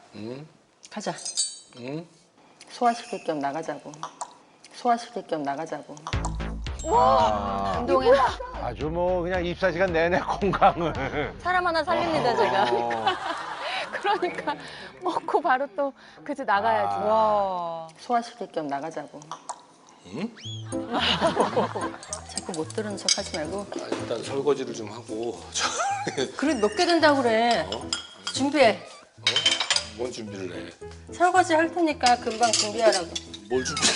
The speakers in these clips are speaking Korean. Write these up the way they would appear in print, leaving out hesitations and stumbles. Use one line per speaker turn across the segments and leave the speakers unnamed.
가자. 소화시킬 겸 나가자고. 소화시킬 겸 나가자고.
와,
운동해.
아주 뭐 그냥 24시간 내내 건강을.
사람 하나 살립니다, 제가.
그러니까 먹고 바로 또 그저 나가야지.
와. 소화시킬 겸 나가자고. 자꾸 못 들은 척 하지 말고.
아, 일단 설거지를 좀 하고.
그래, 몇 개 된다고 그래. 준비해.
뭔 준비를 해?
설거지 할 테니까 금방 준비하라고.
뭘 준비를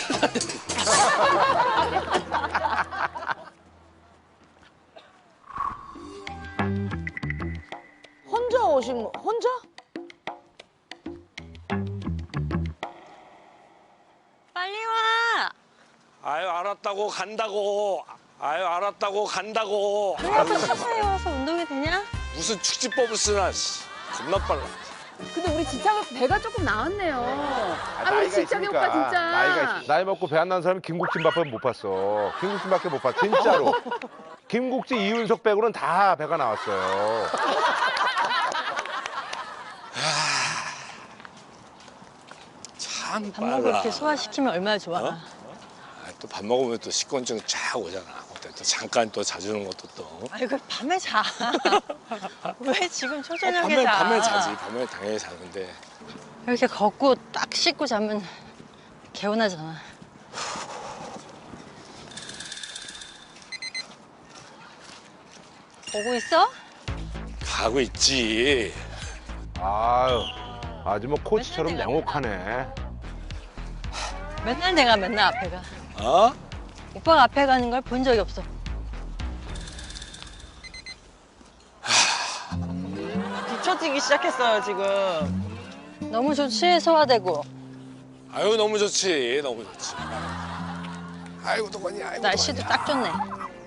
혼자 오신 거, 혼자?
빨리 와.
아유, 알았다고 간다고. 아유, 알았다고 간다고.
그래도 서서히 와서 운동이 되냐?
무슨 축지법을 쓰나. 씨. 겁나 빨라.
근데 우리 지창 오빠 배가 조금 나왔네요. 아, 우리
나이가
지창이 오빠 진짜.
나이가 나이 먹고 배 안 나는 사람이 김국진밖에 못 봤어. 김국진밖에 못 봤어. 진짜로. 김국진, 이윤석 빼고는 다 배가 나왔어요.
참
밥 먹고
빨라.
이렇게 소화시키면 얼마나 좋아.
어? 또 밥 먹으면 또 식곤증 쫙 오잖아. 그때 또 잠깐 또 자주는 것도 또.
아이고, 밤에 자. 왜 지금 초저녁에 자?
밤에 자지. 밤에 당연히 자는데.
이렇게 걷고 딱 씻고 자면 개운하잖아. 보고 있어?
가고 있지.
아유, 아주 뭐 코치처럼 냉혹하네.
맨날 내가 맨날 앞에 가.
어?
오빠가 앞에 가는 걸 본 적이 없어.
뒤처지기 시작했어요, 지금.
너무 좋지, 소화되고.
아유, 너무 좋지. 너무 좋지. 아이고, 도건이. 아이고,
날씨도
도건이야.
딱 좋네.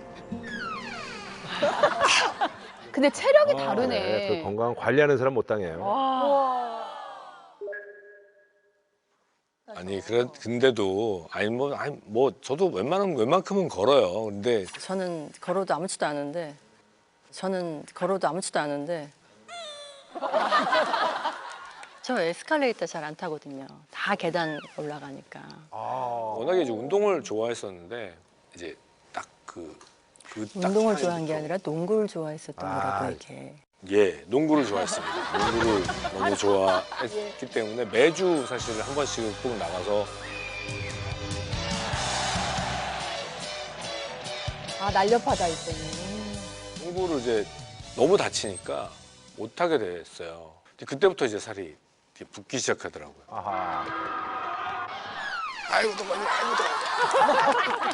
근데 체력이
그
다르네.
건강 관리하는 사람 못 당해요.
아니, 근데도, 뭐, 저도 웬만큼은 걸어요. 근데,
저는 걸어도 아무렇지도 않은데. 저 에스컬레이터 잘 안 타거든요. 다 계단 올라가니까.
워낙에 이제 운동을 좋아했었는데, 이제 딱 딱
운동을
시간이
좋아한 게
또-
아니라 농구를 좋아했었던 거라고 이게.
예, 농구를 좋아했습니다. 농구를 너무 좋아했기 때문에 매주 사실 한 번씩은 꼭 나가서
아, 날렵하다, 이때는.
농구를 이제 너무 다치니까 못하게 됐어요. 근데 그때부터 이제 살이 이렇게 붓기 시작하더라고요.
아하.
아이고, 도건이, 아이고, 도건이.